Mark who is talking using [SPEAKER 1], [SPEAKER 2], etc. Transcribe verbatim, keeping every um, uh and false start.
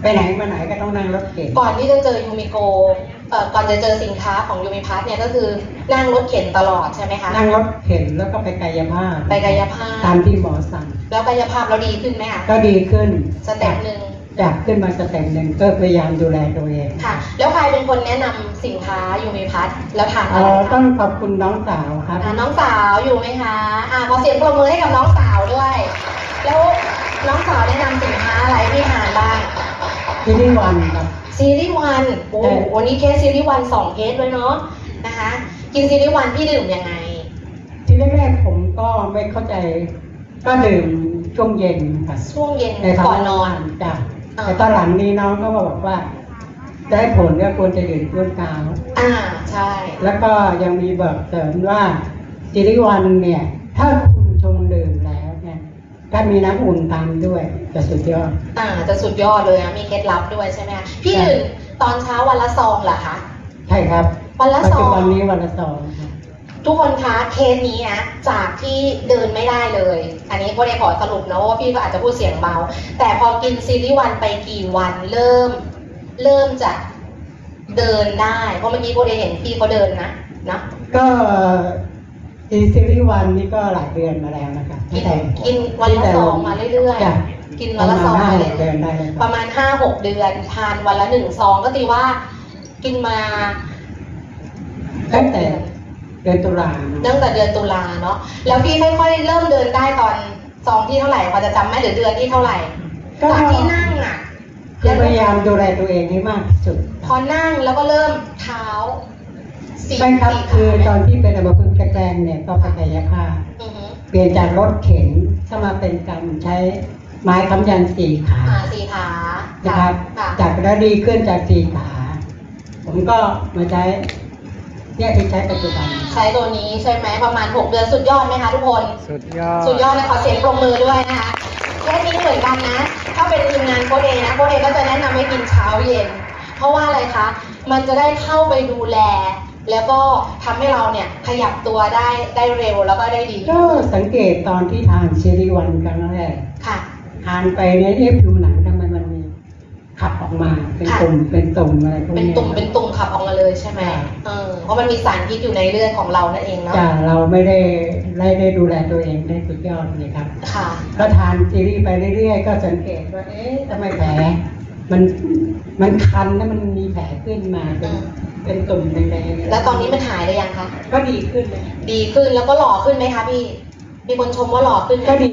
[SPEAKER 1] ไปไหนมาไหนก็ต้องนั่งรถเข็น
[SPEAKER 2] ก่อนที่จะเจอยูมิโกเอ่อก่อนจะเจอสินค้าของยูมิพัทเนี่ยก็คือนั่งรถเข็นตลอดใช่ไหมคะ
[SPEAKER 1] นั่งรถเข็นแล้วก็ไปกายภาพ
[SPEAKER 2] ไปกายภาพ
[SPEAKER 1] ตามที่หมอสั่ง
[SPEAKER 2] แล้วกายภาพเราดีขึ้นไหมคะ
[SPEAKER 1] ก็ดีขึ้น
[SPEAKER 2] สเต็ปหนึ่ง
[SPEAKER 1] จากขึ้นมาสเต็ปหนึ่งก็พยายามดูแลตัวเอง
[SPEAKER 2] ค่ะแล้วใครเป็นคนแนะนำสินค้ายูมิพัทแล้วทานอะไรคะ
[SPEAKER 1] ต้องขอบคุณน้องสาวครับ
[SPEAKER 2] น้องสาวอยู่ไหมคะอ่าขอเสียงปรบมือให้กับน้องสาวด้วยแล้วน้องสาวแนะนำสินค้าอะไรที่ทานบ้าง
[SPEAKER 1] ซีรีส์วันครับ
[SPEAKER 2] ซีรีส์วันโอ้วันนี้เคสซีรีส์วันสองเคสเลยเนาะนะคะกินซีรีส์วันพี่ดื่มยังไง
[SPEAKER 1] ทีแรกๆผมก็ไม่เข้าใจก็ดื่มช่วงเย็นค่ะ
[SPEAKER 2] ช่วงเย็น
[SPEAKER 1] ก่
[SPEAKER 2] อนนอน
[SPEAKER 1] จ้ะแต่ตอนหลังนี้น้องก็มาบอกว่าได้ผลก็ควรจะดื่มช่วงเช้า
[SPEAKER 2] อ่าใช่
[SPEAKER 1] แล้วก็ยังมีบอกเสริมว่าซีรีส์วันเนี่ยถ้าคุณชงดื่มแล้วเนี่ยถ้ามีน้ำอุ่นตามด้วยจะสุดยอด
[SPEAKER 2] อ่าจะสุดยอดเลยนะมีเคล็ดลับด้วยใช่ไหมคะพี่ดื่มตอนเช้าวันละซองเหรอคะ
[SPEAKER 1] ใช่ครับ
[SPEAKER 2] วันละซอง
[SPEAKER 1] วันนี้วันละซอง
[SPEAKER 2] ทุกคนคะเคสนี้นะจากที่เดินไม่ได้เลยอันนี้โค้ชขอสรุปนะว่าพี่ก็อาจจะพูดเสียงเบาแต่พอกินซีรีส์วันไปกี่วันเริ่มเริ่มจะเดินได้เพราะเมื่อกี้โค้ชเห็นพี่เขาเดินนะนะ
[SPEAKER 1] ก็ซีรีส์วันนี้ก็หลายเดือนมาแล้วนะคะ
[SPEAKER 2] กินกินวันละซองมาเรื่อยๆกินวันละซองมาเลยประมาณห้าหกเดือนทานวันละหนึ่งซองก็ตีว่ากินมา
[SPEAKER 1] ตั้งแต่เดือนตุลา
[SPEAKER 2] ตั้งแต่เดือนตุลาเนาะแล้วพี่ค่อยๆเริ่มเดินได้ตอนซองที่เท่าไหร่พอจะจำไหมหรือเดือนที่เท่าไหร่ตอนที่นั่งอ่ะ
[SPEAKER 1] พยายามดูแลตัวเองให้มากที่สุด
[SPEAKER 2] พอนั่งแล้วก็เริ่มเท้า
[SPEAKER 1] ใช่ครับคือตอนที่เป็นอัมพฤกษ์แกล้งเนี่ยก็กายภาพเปลี่ยนจากรถเข็นเข้ามาเป็นการใช้ไม้ค้ำยันสี่ขา
[SPEAKER 2] สี่ขา
[SPEAKER 1] นะครับจากแล้วดีขึ้นจากสี่ขาผมก็มาใช้เนี่ยที่ใช้ปัจจุบัน
[SPEAKER 2] ใช้ตัวนี้ใช่ไหมประมาณหกเดือนสุดยอดไหมคะทุกคน
[SPEAKER 1] สุดยอด
[SPEAKER 2] สุดยอดเลยขอเสียงปรบมือด้วยนะคะแค่นี้เหมือนกันนะถ้าเป็นทีมงานโค้ชเอนะโค้ชเอก็จะแนะนำให้กินเช้าเย็นเพราะว่าอะไรคะมันจะได้เข้าไปดูแลแล้วก็ทำให้เราเนี่ยขยับตัวได้ได้เร็วแล้วก็ได้ดี
[SPEAKER 1] ก็สังเกตตอนที่ทานซีรีส์วันครั้งแรก
[SPEAKER 2] ค่ะ
[SPEAKER 1] ทานไปเนี่ยเอ๊ะผิวหนังทำไมมันมีขับออกมาเป็นตุ่มเป็นตุ่มอะไรพวกนี้
[SPEAKER 2] เป็นตุ่มเป็นตุ่มขับออกมาเลยใช่ไหมเออเพราะมันมีสารพิษอยู่ในเลือดของเรานั่นเองเนาะ
[SPEAKER 1] จ้ะเราไม่ได้ได้ได้ดูแลตัวเองได้สุดยอดเลยครับ
[SPEAKER 2] ค่ะ
[SPEAKER 1] ก็ทานซีรีส์ไปเรื่อยๆก็สังเกตว่าเอ๊ะทำไมแผลมันมันคันแล้วมันมีแผลขึ้นมาเป็นเป็นตุ่มแดงๆ
[SPEAKER 2] แล้วตอนนี้มันหายหรือยังคะ
[SPEAKER 1] ก็ดีขึ้นเลย
[SPEAKER 2] ดีขึ้นแล้วก็หล่อขึ้นไหมคะพี่มีคนชมว่าหล่อขึ้น
[SPEAKER 1] ก็ดี